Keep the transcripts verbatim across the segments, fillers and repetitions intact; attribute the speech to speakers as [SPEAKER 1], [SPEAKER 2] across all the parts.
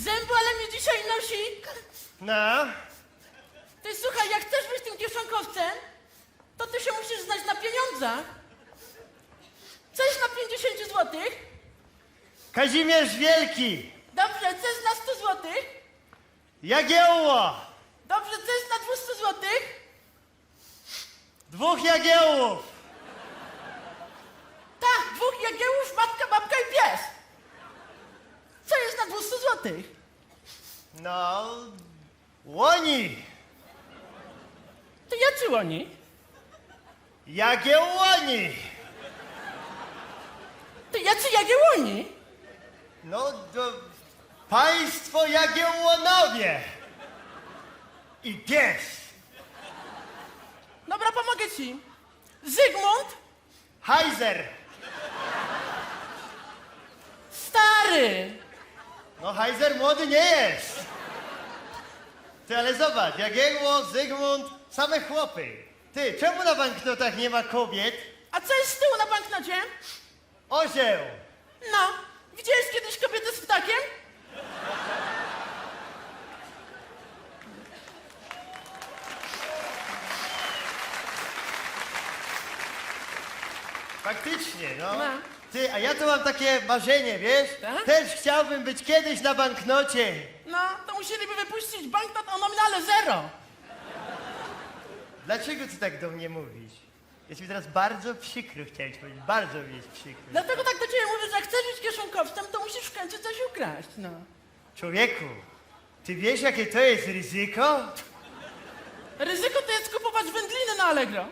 [SPEAKER 1] Zębu, ale mnie dzisiaj nosi.
[SPEAKER 2] No,
[SPEAKER 1] Ty słuchaj, jak chcesz być tym kieszonkowcem, to ty się musisz znać na pieniądzach. Coś na pięćdziesiąt złotych.
[SPEAKER 2] Kazimierz Wielki,
[SPEAKER 1] Dobrze, coś na sto złotych.
[SPEAKER 2] Jagiełło,
[SPEAKER 1] Dobrze, coś na dwieście złotych.
[SPEAKER 2] dwóch Jagiełłów,
[SPEAKER 1] Tak, dwóch jagiełów, matka, babka i pies. Co jest na dwieście złotych?
[SPEAKER 2] no, łoni,
[SPEAKER 1] To jacy oni?
[SPEAKER 2] Jagiełłoni,
[SPEAKER 1] To jacy jagiełoni?
[SPEAKER 2] no, do, państwo Jagiełłonowie i pies,
[SPEAKER 1] Dobra, pomogę ci. Zygmunt,
[SPEAKER 2] Hajzer,
[SPEAKER 1] stary.
[SPEAKER 2] no Hajzer młody nie jest. Ty, ale zobacz, Jagiełło, Zygmunt, same chłopy. Ty, czemu na banknotach nie ma kobiet?
[SPEAKER 1] A co jest z tyłu na banknocie?
[SPEAKER 2] Orzeł.
[SPEAKER 1] No, widziałeś kiedyś kobietę z ptakiem?
[SPEAKER 2] Faktycznie, no.
[SPEAKER 1] No.
[SPEAKER 2] Ty, a ja tu mam takie marzenie, wiesz?
[SPEAKER 1] Tak?
[SPEAKER 2] Też chciałbym być kiedyś na banknocie.
[SPEAKER 1] No, to musieliby wypuścić banknot o nominale zero.
[SPEAKER 2] Dlaczego ty tak do mnie mówisz? Jest mi teraz bardzo przykro, chciałem ci powiedzieć. Bardzo mi jest przykro.
[SPEAKER 1] Dlatego tak do ciebie mówię, że jak chcesz być kieszonkowcem, to musisz w końcu coś ukraść, no.
[SPEAKER 2] Człowieku, ty wiesz, jakie to jest ryzyko?
[SPEAKER 1] Ryzyko to jest kupować wędliny na Allegro.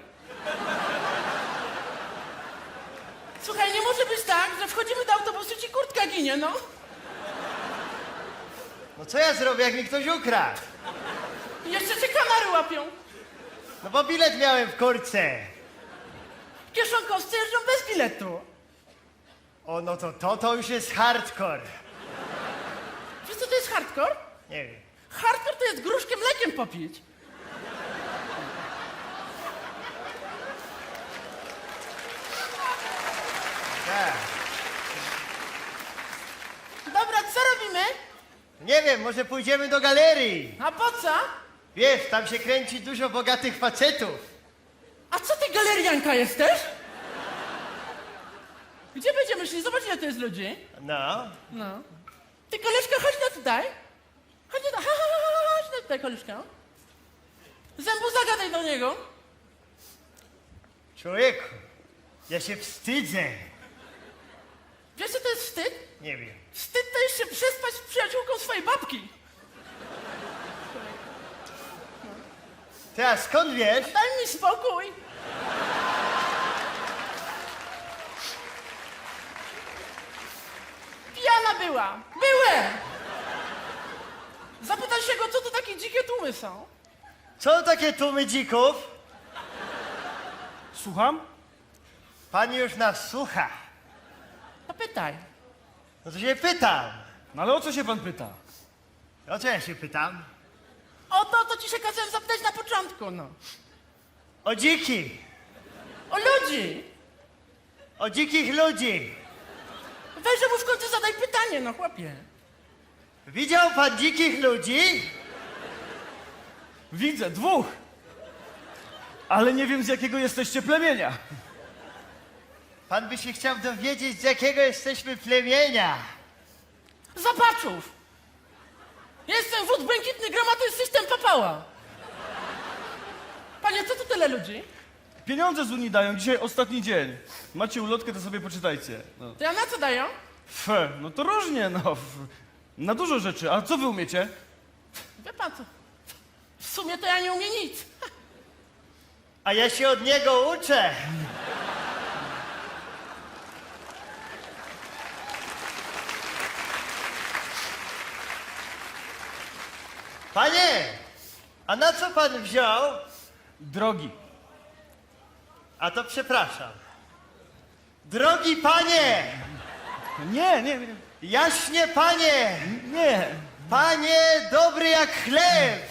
[SPEAKER 1] Słuchaj, nie może być tak, że wchodzimy do autobusu i ci kurtka ginie, no.
[SPEAKER 2] No co ja zrobię, jak mi ktoś ukradł?
[SPEAKER 1] I jeszcze cię kanary łapią.
[SPEAKER 2] No bo bilet miałem w kurtce.
[SPEAKER 1] Kieszonkowcy jeżdżą bez biletu.
[SPEAKER 2] O, no to to, to już jest hardcore.
[SPEAKER 1] Wiesz co to jest hardcore?
[SPEAKER 2] Nie wiem.
[SPEAKER 1] Hardcore to jest gruszkę mlekiem popić.
[SPEAKER 2] Tak.
[SPEAKER 1] Dobra, co robimy?
[SPEAKER 2] Nie wiem, może pójdziemy do galerii.
[SPEAKER 1] A po co?
[SPEAKER 2] Wiesz, tam się kręci dużo bogatych facetów.
[SPEAKER 1] A co ty galerianka jesteś? Gdzie będziemy szli? Zobacz, ile to jest ludzi.
[SPEAKER 2] No.
[SPEAKER 1] No. Ty, koleżka, chodź na tutaj. Chodź na, ha, ha, ha, chodź na tutaj, koleżka. Zębu, zagadaj do niego.
[SPEAKER 2] Człowieku, ja się wstydzę.
[SPEAKER 1] Wiesz, co to jest wstyd?
[SPEAKER 2] Nie wiem.
[SPEAKER 1] Wstyd to jest się przespać z przyjaciółką swojej babki.
[SPEAKER 2] Ty, a skąd wiesz?
[SPEAKER 1] Daj mi spokój. Pijana była. Byłem. Zapytaj się go, co to takie dzikie tłumy są.
[SPEAKER 2] Co takie tłumy dzików?
[SPEAKER 3] Słucham?
[SPEAKER 2] Pani już nas słucha.
[SPEAKER 1] To pytaj.
[SPEAKER 2] No to się pytam.
[SPEAKER 3] No ale o co się pan pyta?
[SPEAKER 2] O co ja się pytam?
[SPEAKER 1] O to, co ci się kazałem zapytać na początku, no.
[SPEAKER 2] O dziki.
[SPEAKER 1] O ludzi.
[SPEAKER 2] O dzikich ludzi.
[SPEAKER 1] Weź, że mu w końcu zadaj pytanie, no chłopie.
[SPEAKER 2] Widział pan dzikich ludzi?
[SPEAKER 3] Widzę, dwóch. Ale nie wiem, z jakiego jesteście plemienia.
[SPEAKER 2] Pan by się chciał dowiedzieć, z jakiego jesteśmy plemienia.
[SPEAKER 1] Zapaczów. Jestem wód błękitny, gromadny system papała. Panie, co tu tyle ludzi?
[SPEAKER 3] Pieniądze z Unii dają, dzisiaj ostatni dzień. Macie ulotkę, to sobie poczytajcie. No.
[SPEAKER 1] To ja na co dają?
[SPEAKER 3] Fe, no to różnie, no. F- Na dużo rzeczy. A co wy umiecie?
[SPEAKER 1] Wie pan co? W sumie to ja nie umiem nic.
[SPEAKER 2] A ja się od niego uczę. Panie, a na co pan wziął?
[SPEAKER 3] Drogi.
[SPEAKER 2] A to przepraszam. Drogi panie,
[SPEAKER 3] Nie, nie, nie.
[SPEAKER 2] jaśnie panie,
[SPEAKER 3] Nie.
[SPEAKER 2] panie dobry jak chleb,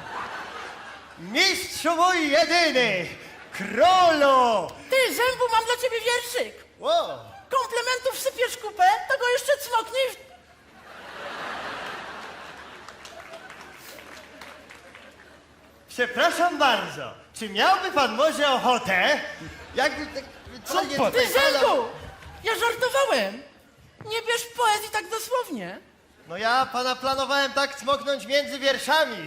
[SPEAKER 2] mistrzu mój jedyny, królu.
[SPEAKER 1] Ty, Zębu, mam dla ciebie wierszyk.
[SPEAKER 2] Wow.
[SPEAKER 1] Komplementów sypiesz kupę, to go jeszcze cmoknij w...
[SPEAKER 2] Przepraszam bardzo, czy miałby pan może ochotę, jakby tak...
[SPEAKER 3] Co
[SPEAKER 2] totalnie
[SPEAKER 3] pan-
[SPEAKER 2] tutaj
[SPEAKER 1] Ty,
[SPEAKER 2] pana-
[SPEAKER 1] Zenku! Ja żartowałem! Nie bierz poezji tak dosłownie.
[SPEAKER 2] No ja pana planowałem tak cmoknąć między wierszami.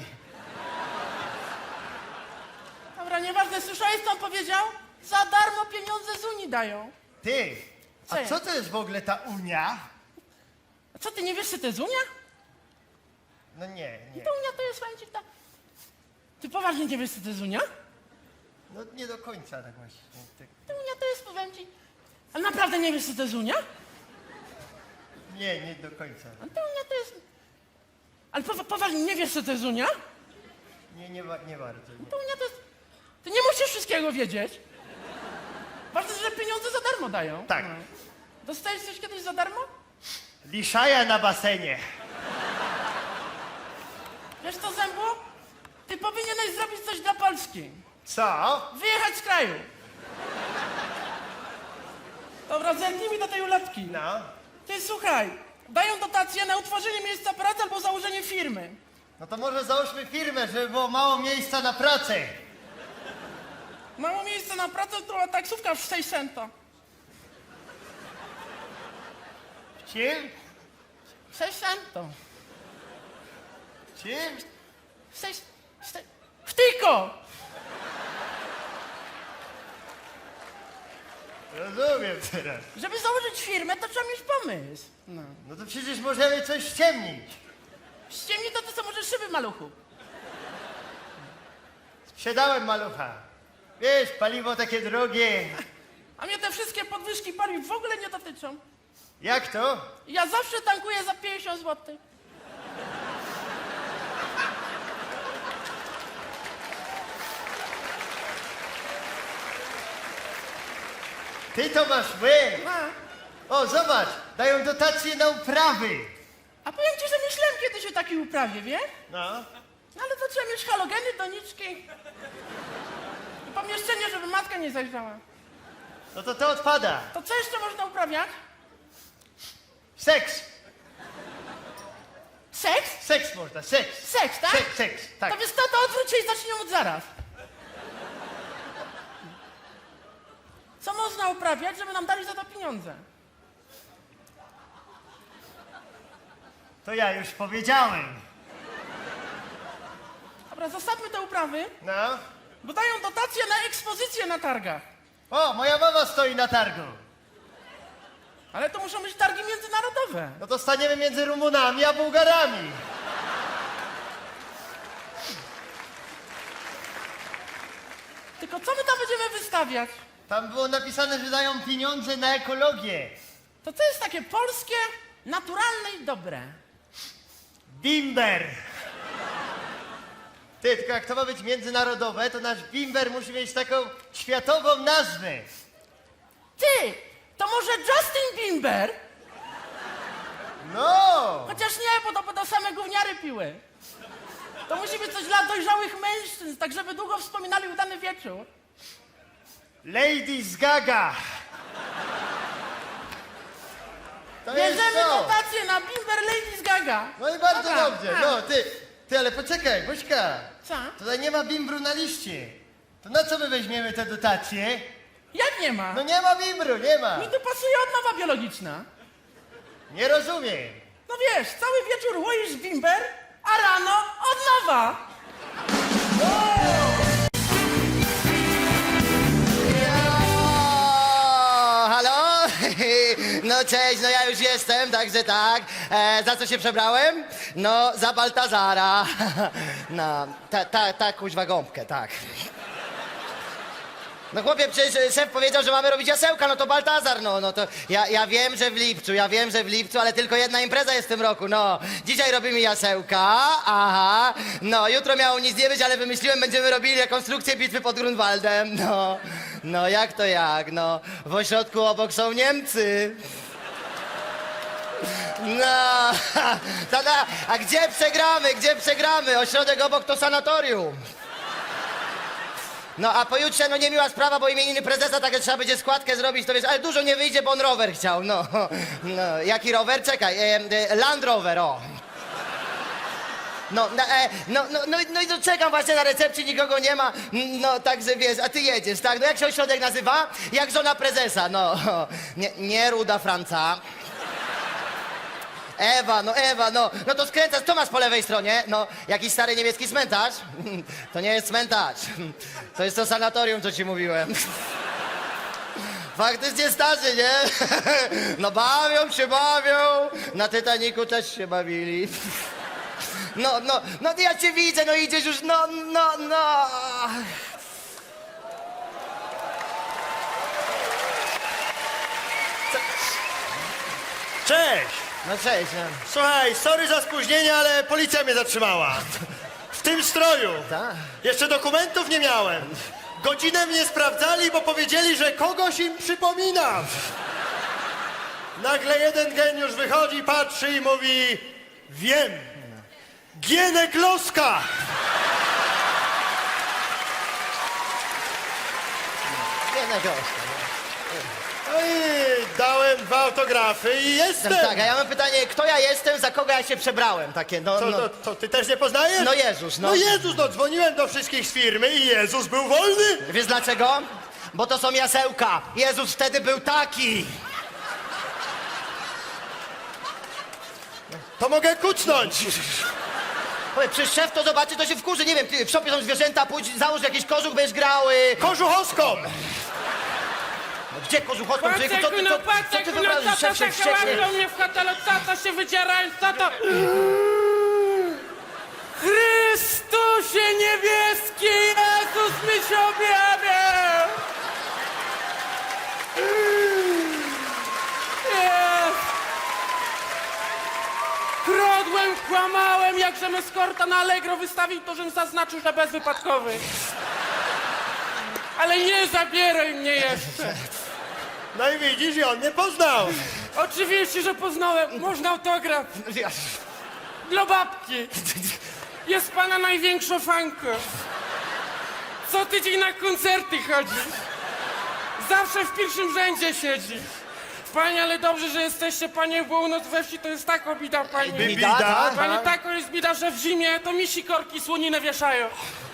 [SPEAKER 1] Dobra, nieważne, słyszałeś, co on powiedział? Za darmo pieniądze z Unii dają.
[SPEAKER 2] Ty,
[SPEAKER 1] Co
[SPEAKER 2] a
[SPEAKER 1] jest?
[SPEAKER 2] co to jest w ogóle ta Unia?
[SPEAKER 1] A co, ty nie wiesz, co to jest Unia?
[SPEAKER 2] No nie, nie.
[SPEAKER 1] To Unia to jest, powiem ci, ta... Ty poważnie nie wiesz, co to jest Unia?
[SPEAKER 2] No nie do końca tak właśnie. Tak.
[SPEAKER 1] To Unia to jest, powiem ci... Ale naprawdę nie wiesz, co to jest Unia?
[SPEAKER 2] Nie, nie do końca.
[SPEAKER 1] A to Unia to jest... Ale powa- poważnie nie wiesz, co to jest Unia?
[SPEAKER 2] Nie, nie, wa- nie bardzo. Nie.
[SPEAKER 1] To Unia to jest... Ty nie musisz wszystkiego wiedzieć. Ważne, że pieniądze za darmo dają.
[SPEAKER 2] Tak.
[SPEAKER 1] No. Dostajesz coś kiedyś za darmo?
[SPEAKER 2] Liszaja na basenie.
[SPEAKER 1] Wiesz co, Zębu? Ty powinieneś zrobić coś dla Polski.
[SPEAKER 2] Co?
[SPEAKER 1] Wyjechać z kraju. Dobra, zerknij mi do tej ulotki.
[SPEAKER 2] No.
[SPEAKER 1] Ty słuchaj, dają dotacje na utworzenie miejsca pracy albo założenie firmy.
[SPEAKER 2] No to może załóżmy firmę, żeby było mało miejsca na pracę.
[SPEAKER 1] Mało miejsca na pracę, to taksówka w sześć centa.
[SPEAKER 2] Czym?
[SPEAKER 1] sześć centów.
[SPEAKER 2] Czym?
[SPEAKER 1] sześć... sześć... Wtyko!
[SPEAKER 2] Rozumiem teraz.
[SPEAKER 1] Żeby założyć firmę, to trzeba mieć pomysł. No.
[SPEAKER 2] No to przecież możemy coś ściemnić.
[SPEAKER 1] Ściemnij to, to co może szyby, maluchu.
[SPEAKER 2] Sprzedałem malucha. Wiesz, paliwo takie drogie.
[SPEAKER 1] A mnie te wszystkie podwyżki paliw w ogóle nie dotyczą.
[SPEAKER 2] Jak to?
[SPEAKER 1] Ja zawsze tankuję za pięćdziesiąt złotych.
[SPEAKER 2] Ty to masz łeb.
[SPEAKER 1] A,
[SPEAKER 2] O, zobacz, dają dotacje na uprawy.
[SPEAKER 1] a powiem ci, że myślałem kiedyś o takiej uprawie, wie?
[SPEAKER 2] No.
[SPEAKER 1] No ale to trzeba mieć halogeny, doniczki. I pomieszczenie, żeby matka nie zajrzała.
[SPEAKER 2] No to to odpada.
[SPEAKER 1] To co jeszcze można uprawiać?
[SPEAKER 2] Seks.
[SPEAKER 1] Seks?
[SPEAKER 2] Seks można, seks.
[SPEAKER 1] Seks, tak?
[SPEAKER 2] Seks, seks, tak.
[SPEAKER 1] To wiesz co, to odwróć się i zacznijmy od zaraz. Co można uprawiać, żeby nam dali za to pieniądze?
[SPEAKER 2] To ja już powiedziałem.
[SPEAKER 1] Dobra, zostawmy te uprawy,
[SPEAKER 2] No.
[SPEAKER 1] bo dają dotacje na ekspozycje na targach.
[SPEAKER 2] O, moja mama stoi na targu.
[SPEAKER 1] Ale to muszą być targi międzynarodowe.
[SPEAKER 2] No to staniemy między Rumunami a Bułgarami.
[SPEAKER 1] Tylko co my tam będziemy wystawiać?
[SPEAKER 2] Tam było napisane, że dają pieniądze na ekologię.
[SPEAKER 1] To co jest takie polskie, naturalne i dobre?
[SPEAKER 2] Bimber. Ty, tylko jak to ma być międzynarodowe, to nasz bimber musi mieć taką światową nazwę.
[SPEAKER 1] Ty, to może Justin Bieber?
[SPEAKER 2] No!
[SPEAKER 1] Chociaż nie, bo to będą same gówniary piły. To musi być coś dla dojrzałych mężczyzn, tak żeby długo wspominali udany wieczór.
[SPEAKER 2] Ladies Gaga. To jest
[SPEAKER 1] Bierzemy
[SPEAKER 2] to.
[SPEAKER 1] dotację na Bimber Ladies Gaga.
[SPEAKER 2] No i bardzo
[SPEAKER 1] Dobra,
[SPEAKER 2] dobrze.
[SPEAKER 1] a.
[SPEAKER 2] No, ty, ty, ale poczekaj, Bośka.
[SPEAKER 1] Co?
[SPEAKER 2] Tutaj nie ma bimbru na liście. To na co my weźmiemy te dotacje?
[SPEAKER 1] Jak nie ma?
[SPEAKER 2] No nie ma bimbru, nie ma.
[SPEAKER 1] Mi tu pasuje odnowa biologiczna.
[SPEAKER 2] Nie rozumiem.
[SPEAKER 1] No wiesz, cały wieczór łoisz bimber, a rano odnowa.
[SPEAKER 4] O, halo? No cześć, no ja już jestem, także tak. E, za co się przebrałem? No, za Baltazara. No, ta, ta, ta kuźwa gąbkę, tak. No chłopie, przecież szef powiedział, że mamy robić jasełka, no to Baltazar, no, no to ja, ja wiem, że w lipcu, ja wiem, że w lipcu, ale tylko jedna impreza jest w tym roku, no. Dzisiaj robimy jasełka, aha, no, jutro miało nic nie być, ale wymyśliłem, będziemy robili rekonstrukcję bitwy pod Grunwaldem, no. No, jak to jak, no, w ośrodku obok są Niemcy. No, tada, a gdzie przegramy, gdzie przegramy? Ośrodek obok to sanatorium. No a pojutrze, no niemiła sprawa, bo imieniny prezesa, tak trzeba będzie składkę zrobić, to wiesz, ale dużo nie wyjdzie, bo on rower chciał, no. No, jaki rower? Czekaj, e, e, Land Rover, o. No, no, e, no, no, no, no i to czekam właśnie na recepcji, nikogo nie ma. No, także wiesz, a ty jedziesz, tak? No jak się ośrodek nazywa? Jak żona prezesa, no. Nie, nie Ruda Franca. Ewa, no Ewa, no, no to skręcasz, co masz po lewej stronie? No, jakiś stary niemiecki cmentarz? To nie jest cmentarz, to jest to sanatorium, co ci mówiłem. Faktycznie starzy, nie? No bawią się, bawią, na Titaniku też się bawili. No, no, no ja cię widzę, no idziesz już, no, no, no.
[SPEAKER 2] Cześć!
[SPEAKER 4] No cześć, no.
[SPEAKER 2] Słuchaj, sorry za spóźnienie, ale policja mnie zatrzymała. W tym stroju.
[SPEAKER 4] Tak.
[SPEAKER 2] Jeszcze dokumentów nie miałem. Godzinę mnie sprawdzali, bo powiedzieli, że kogoś im przypominam. Nagle jeden geniusz wychodzi, patrzy i mówi: wiem, Gienek Loska.
[SPEAKER 4] Jednego.
[SPEAKER 2] No i dałem dwa autografy i jestem.
[SPEAKER 4] Tak, a ja mam pytanie, kto ja jestem, za kogo ja się przebrałem, takie, no,
[SPEAKER 2] Co,
[SPEAKER 4] no.
[SPEAKER 2] to, to ty też nie poznajesz?
[SPEAKER 4] No Jezus, no.
[SPEAKER 2] No Jezus, no dzwoniłem do wszystkich z firmy i Jezus był wolny.
[SPEAKER 4] Wiesz dlaczego? Bo to są jasełka. Jezus wtedy był taki.
[SPEAKER 2] To mogę kucnąć.
[SPEAKER 4] Powiedz, przecież szef to zobaczy, to się wkurzy. Nie wiem, ty, w szopie są zwierzęta, pójdź, załóż jakiś kożuch, będziesz grał. Y...
[SPEAKER 2] Kożuchowską.
[SPEAKER 4] No, gdzie kożuchowską? Człowieku, co ty,
[SPEAKER 1] Patrz,
[SPEAKER 4] co,
[SPEAKER 1] no patrz,
[SPEAKER 4] co ty
[SPEAKER 1] jak no
[SPEAKER 4] wyobrażasz?
[SPEAKER 1] tata
[SPEAKER 4] Szef się
[SPEAKER 1] tak
[SPEAKER 4] wścieknie.
[SPEAKER 1] łapią mnie w hotelu, tata się wycierają, tata... Chrystusie niebieski, Jezus mi się objawiał! Jest. Kradłem, kłamałem, jak żem eskorta na Allegro wystawił, to żem zaznaczył, że bezwypadkowy. Ale nie zabieraj mnie jeszcze.
[SPEAKER 2] No i widzisz, i on mnie poznał.
[SPEAKER 1] Oczywiście, że poznałem. Można autograf. Dla babki. Jest pana największa fanka. Co tydzień na koncerty chodzi. Zawsze w pierwszym rzędzie siedzi. Panie, ale dobrze, że jesteście, panie, bo u nas we wsi to jest tak obida, pani.
[SPEAKER 4] Bida, tak?
[SPEAKER 1] Panie, tak jest bida, że w zimie to mi sikorki słoninę wieszają.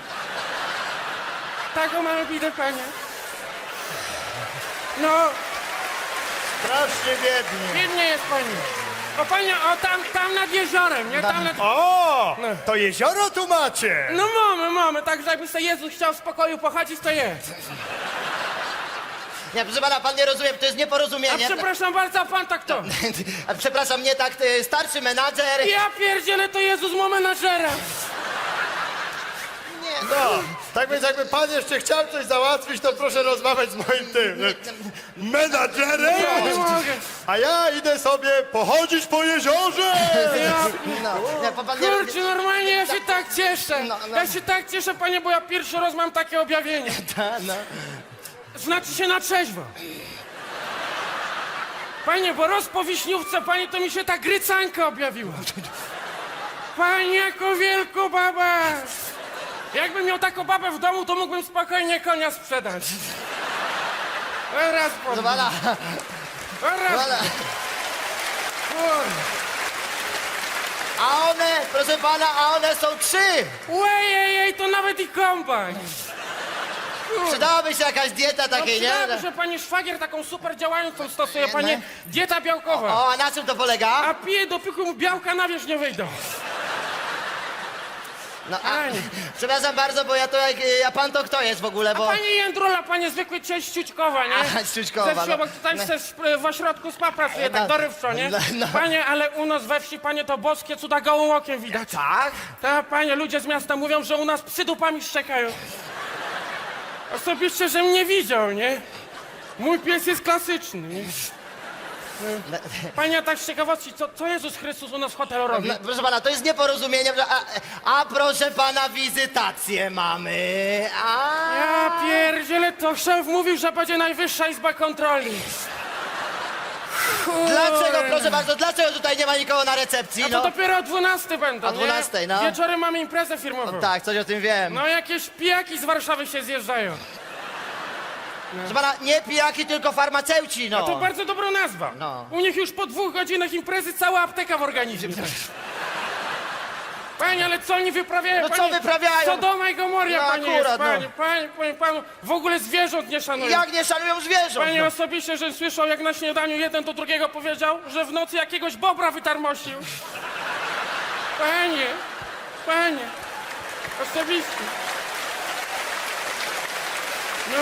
[SPEAKER 1] Taką mamy bidę, panie. No,
[SPEAKER 2] Strasznie biedny.
[SPEAKER 1] biednie jest pani. O panie, o tam, tam nad jeziorem, nie? Tam nad...
[SPEAKER 2] O, to jezioro tu macie.
[SPEAKER 1] No mamy, mamy, tak jakby sobie Jezus chciał w spokoju pochodzić, to jest.
[SPEAKER 4] Nie, proszę pana, pan nie rozumie, to jest
[SPEAKER 1] A
[SPEAKER 4] nieporozumienie.
[SPEAKER 1] przepraszam bardzo, a pan tak to.
[SPEAKER 4] A przepraszam, nie tak, y, starszy menadżer.
[SPEAKER 1] Ja pierdzielę, to Jezus ma menadżera.
[SPEAKER 4] Nie,
[SPEAKER 2] No, tak więc jakby pan jeszcze chciał coś załatwić, to proszę rozmawiać z moim tym e, menadżerem.
[SPEAKER 1] Ja nie mogę.
[SPEAKER 2] A ja idę sobie pochodzić po jeziorze.
[SPEAKER 1] Ja...
[SPEAKER 4] no, nie, pan, pan nie,
[SPEAKER 1] Kurczę, normalnie ja się tak cieszę.
[SPEAKER 4] No, no.
[SPEAKER 1] Ja się tak cieszę, panie, bo ja pierwszy raz mam takie objawienie.
[SPEAKER 4] Ta, no.
[SPEAKER 1] Znaczy się na trzeźwo. Panie, bo roz po wiśniówce, panie, to mi się ta grycanka objawiła. Panie, jako wielką babę. Jakbym miał taką babę w domu, to mógłbym spokojnie konia sprzedać. Raz po
[SPEAKER 4] Proszę pana,
[SPEAKER 1] Raz.
[SPEAKER 4] pana. A one, proszę pana, a one są trzy.
[SPEAKER 1] Łejejej, to nawet i kombajn.
[SPEAKER 4] Przydałaby się jakaś dieta
[SPEAKER 1] No
[SPEAKER 4] takiej, nie?
[SPEAKER 1] przydałoby, że panie szwagier taką super działającą stosuje,
[SPEAKER 4] Nie,
[SPEAKER 1] panie,
[SPEAKER 4] nie.
[SPEAKER 1] dieta białkowa.
[SPEAKER 4] O, a na czym to polega?
[SPEAKER 1] A pije, dopóki mu białka na wierzch nie wyjdą.
[SPEAKER 4] No, a,
[SPEAKER 1] Pani.
[SPEAKER 4] przepraszam bardzo, bo ja to jak, a pan to kto jest w ogóle,
[SPEAKER 1] A
[SPEAKER 4] bo...
[SPEAKER 1] pani Jędrula, panie zwykły cześć Ciućkowa, nie?
[SPEAKER 4] Aha, Ciućkowa,
[SPEAKER 1] Ze wsi
[SPEAKER 4] no.
[SPEAKER 1] obok tutaj
[SPEAKER 4] No.
[SPEAKER 1] se w, w ośrodku spa pracuje,
[SPEAKER 4] No.
[SPEAKER 1] tak dorywczo, nie?
[SPEAKER 4] No, no.
[SPEAKER 1] Panie, ale u nas we wsi, panie, to boskie cuda gołym okiem widać.
[SPEAKER 4] Tak?
[SPEAKER 1] Tak, panie, ludzie z miasta mówią, że u nas psy dupami szczekają. Osobiście, żem nie widział, nie? Mój pies jest klasyczny, nie?
[SPEAKER 4] No,
[SPEAKER 1] Panie, a tak z ciekawości, co, co Jezus Chrystus u nas w hotelu robi?
[SPEAKER 4] no, proszę pana, to jest nieporozumienie, że- a, a proszę pana, wizytację mamy, a...
[SPEAKER 1] Ja pierdzielę, to szef mówił, że będzie najwyższa izba kontroli.
[SPEAKER 4] Dlaczego, proszę bardzo, dlaczego tutaj nie ma nikogo na recepcji,
[SPEAKER 1] A to
[SPEAKER 4] no?
[SPEAKER 1] dopiero o dwunastej będą,
[SPEAKER 4] O dwunastej,
[SPEAKER 1] nie?
[SPEAKER 4] no.
[SPEAKER 1] Wieczorem mamy imprezę firmową.
[SPEAKER 4] Tak, coś o tym wiem.
[SPEAKER 1] No jakieś pijaki z Warszawy się zjeżdżają.
[SPEAKER 4] Proszę pana, nie pijaki, tylko farmaceuci, no.
[SPEAKER 1] To bardzo dobra nazwa.
[SPEAKER 4] No.
[SPEAKER 1] U nich już po dwóch godzinach imprezy cała apteka w organizmie. Panie, ale co oni wyprawiają?
[SPEAKER 4] No co
[SPEAKER 1] panie?
[SPEAKER 4] wyprawiają?
[SPEAKER 1] Sodoma i Gomoria,
[SPEAKER 4] No
[SPEAKER 1] panie,
[SPEAKER 4] akurat,
[SPEAKER 1] jest, panie,
[SPEAKER 4] no.
[SPEAKER 1] panie, panie, panu. W ogóle zwierząt nie szanują.
[SPEAKER 4] Jak nie szanują zwierząt?
[SPEAKER 1] Panie
[SPEAKER 4] No.
[SPEAKER 1] osobiście, że słyszał, jak na śniadaniu jeden do drugiego powiedział, że w nocy jakiegoś bobra wytarmosił. Panie, panie, osobiście. No.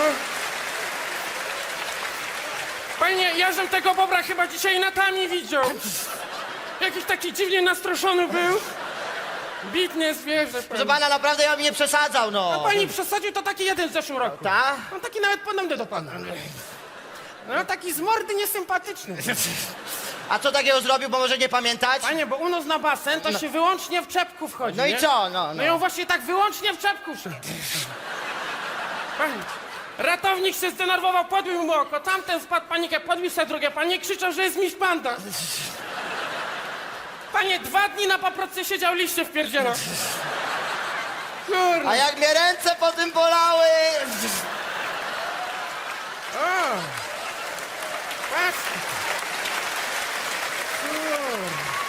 [SPEAKER 1] Panie, ja żem tego bobra chyba dzisiaj na tami widział. Jakiś taki dziwnie nastroszony był. Bitne zwierzę,
[SPEAKER 4] Proszę
[SPEAKER 1] panie.
[SPEAKER 4] pana, naprawdę ja bym nie przesadzał, no.
[SPEAKER 1] Pani przesadził, to taki jeden w zeszłym roku.
[SPEAKER 4] Ta?
[SPEAKER 1] On taki nawet podobny do pana. No taki z mordy niesympatyczny.
[SPEAKER 4] A co takiego zrobił, bo może nie pamiętać?
[SPEAKER 1] Panie, bo u nas na basen to się wyłącznie w czepku wchodzi,
[SPEAKER 4] No i
[SPEAKER 1] nie?
[SPEAKER 4] co? No, no.
[SPEAKER 1] No i on właśnie tak wyłącznie w czepku szedł. Panie, ratownik się zdenerwował, podbił mu oko, tamten wpadł w panikę, podbił sobie drugie, panie krzyczał, że jest miś panda. Panie, dwa dni na paproce siedział, liście wpierdzielał. Kurna.
[SPEAKER 4] A jak mnie ręce po tym bolały!
[SPEAKER 1] O! Patrz! Kur.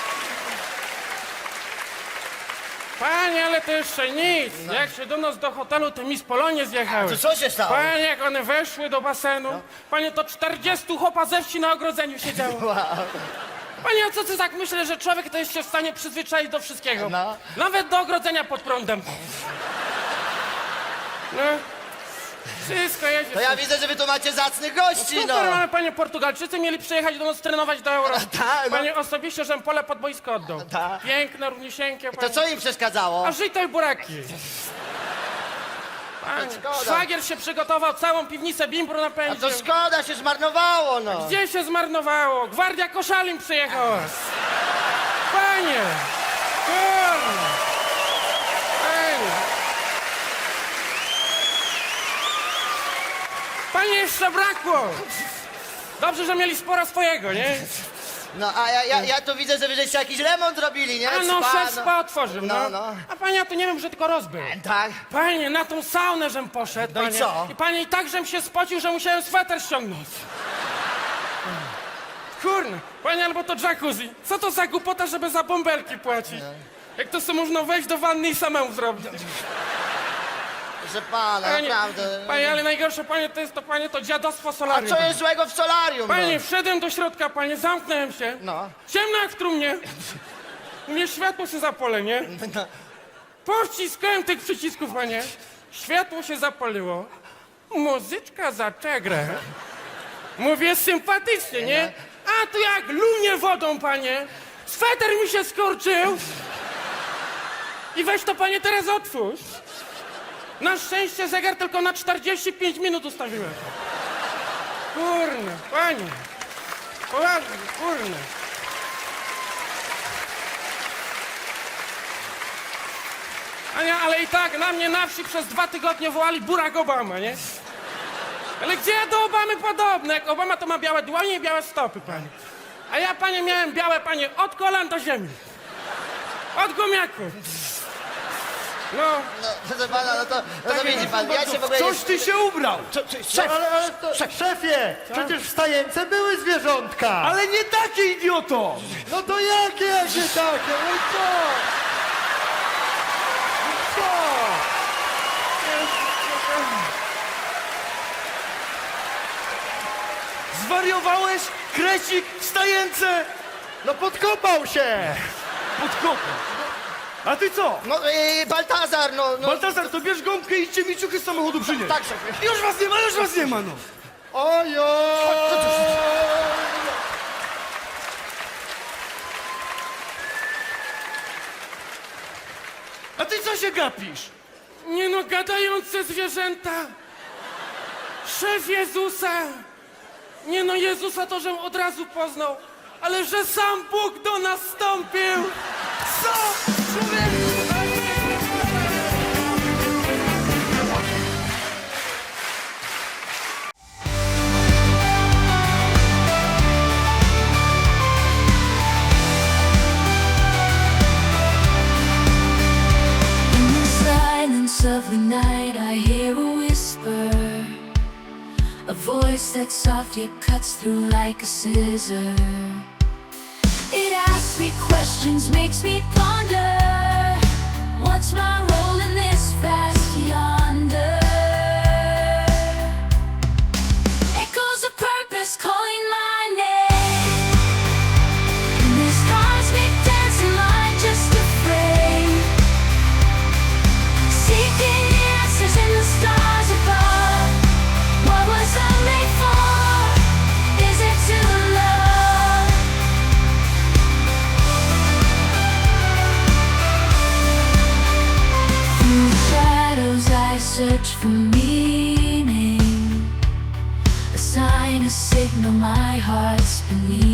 [SPEAKER 1] Panie, ale to jeszcze nic. Jak się do nas do hotelu, to mi z Polonie zjechały.
[SPEAKER 4] To co się stało?
[SPEAKER 1] Panie, jak one weszły do basenu, panie, to czterdziestu chłopa ze wsi na ogrodzeniu siedziało.
[SPEAKER 4] Wow.
[SPEAKER 1] Panie, a co ty tak myślę, że człowiek to jest się w stanie przyzwyczaić do wszystkiego?
[SPEAKER 4] No.
[SPEAKER 1] Nawet do ogrodzenia pod prądem. No. Wszystko jedzie.
[SPEAKER 4] To ja widzę, że wy tu macie zacnych gości, no.
[SPEAKER 1] Super, mamy panie Portugalczycy mieli przyjechać do nas trenować do Euro.
[SPEAKER 4] tak, no.
[SPEAKER 1] Panie osobiście, żem pole pod boisko oddał.
[SPEAKER 4] tak.
[SPEAKER 1] Piękne, równisieńkie,
[SPEAKER 4] To
[SPEAKER 1] panie.
[SPEAKER 4] co im przeszkadzało?
[SPEAKER 1] A żyj i buraki. Panie,
[SPEAKER 4] szkoda.
[SPEAKER 1] szwagier się przygotował, całą piwnicę bimbru
[SPEAKER 4] A
[SPEAKER 1] napędził.
[SPEAKER 4] to szkoda, się zmarnowało, no.
[SPEAKER 1] Gdzie się zmarnowało? Gwardia Koszalin przyjechała. Panie! Kurwa! Panie! Panie, jeszcze brakło! Dobrze, że mieli sporo swojego, nie?
[SPEAKER 4] No, a ja, ja, ja tu widzę, że wy żeście jakiś remont robili, nie?
[SPEAKER 1] A no,
[SPEAKER 4] Spa,
[SPEAKER 1] szef spa otworzył, no.
[SPEAKER 4] No, no.
[SPEAKER 1] A panie, ja tu nie wiem, że tylko rozbył.
[SPEAKER 4] Tak.
[SPEAKER 1] Panie, na tą saunę żem poszedł,
[SPEAKER 4] No i
[SPEAKER 1] panie.
[SPEAKER 4] co?
[SPEAKER 1] I panie, i tak żem się spocił, że musiałem sweter ściągnąć. Kurna, panie, albo to jacuzzi. Co to za głupota, żeby za bąbelki płacić? Jak to sobie można wejść do wanny i samemu zrobić?
[SPEAKER 4] Że pana,
[SPEAKER 1] Panie,
[SPEAKER 4] naprawdę.
[SPEAKER 1] panie, ale najgorsze, panie, to jest to, panie, to dziadostwo
[SPEAKER 4] A
[SPEAKER 1] solarium.
[SPEAKER 4] co jest złego w solarium,
[SPEAKER 1] Panie,
[SPEAKER 4] no?
[SPEAKER 1] wszedłem do środka, panie, zamknąłem się.
[SPEAKER 4] No.
[SPEAKER 1] Ciemno jak w trumnie. Mnie światło się zapole, nie?
[SPEAKER 4] No.
[SPEAKER 1] Powciskałem tych przycisków, panie. Światło się zapaliło. Muzyczka za czegrę. Mówię sympatycznie, nie? A tu jak lunie wodą, panie. Sweter mi się skurczył. I weź to, panie, teraz otwórz. Na szczęście zegar tylko na czterdzieści pięć minut ustawiłem. Kurna, panie. Poważnie, kurna. Ania, ale i tak na mnie na wsi przez dwa tygodnie wołali Barack Obama, nie? Ale gdzie ja do Obamy podobny? Jak Obama to ma białe dłonie i białe stopy, panie. A ja, panie, miałem białe, panie, od kolan do ziemi. Od gumiaku. No,
[SPEAKER 4] No, proszę pana, no to, no to widzi pan, ja się w ogóle
[SPEAKER 3] Coś ty się ubrał!
[SPEAKER 2] Szef, ale, ale to, szefie, przecież w stajence były zwierzątka.
[SPEAKER 3] Ale nie takie, idioto!
[SPEAKER 2] No to jakie, jakie takie? No i co? No co?
[SPEAKER 3] Zwariowałeś? Krecik w stajence!
[SPEAKER 2] No podkopał się.
[SPEAKER 3] Pod kopą. A ty co?
[SPEAKER 4] No, yy, Baltazar, no, no.
[SPEAKER 3] Baltazar, to bierz gąbkę i idźcie mi ciuchy z samochodu przynieść.
[SPEAKER 4] Tak, szefie.
[SPEAKER 3] Już was nie ma, już was nie ma, no.
[SPEAKER 2] Ojoj.
[SPEAKER 3] A ty co się gapisz?
[SPEAKER 1] nie no, gadające zwierzęta. Szef Jezusa. Nie no, Jezusa to żem od razu poznał. Ale że sam Bóg do nas wstąpił.
[SPEAKER 3] Co? Człowieku!
[SPEAKER 5] In the silence of the night, I hear a whisper, a voice that softly cuts through like a scissor. It asks me questions, makes me ponder. search for meaning, a sign, a signal my heart's believing.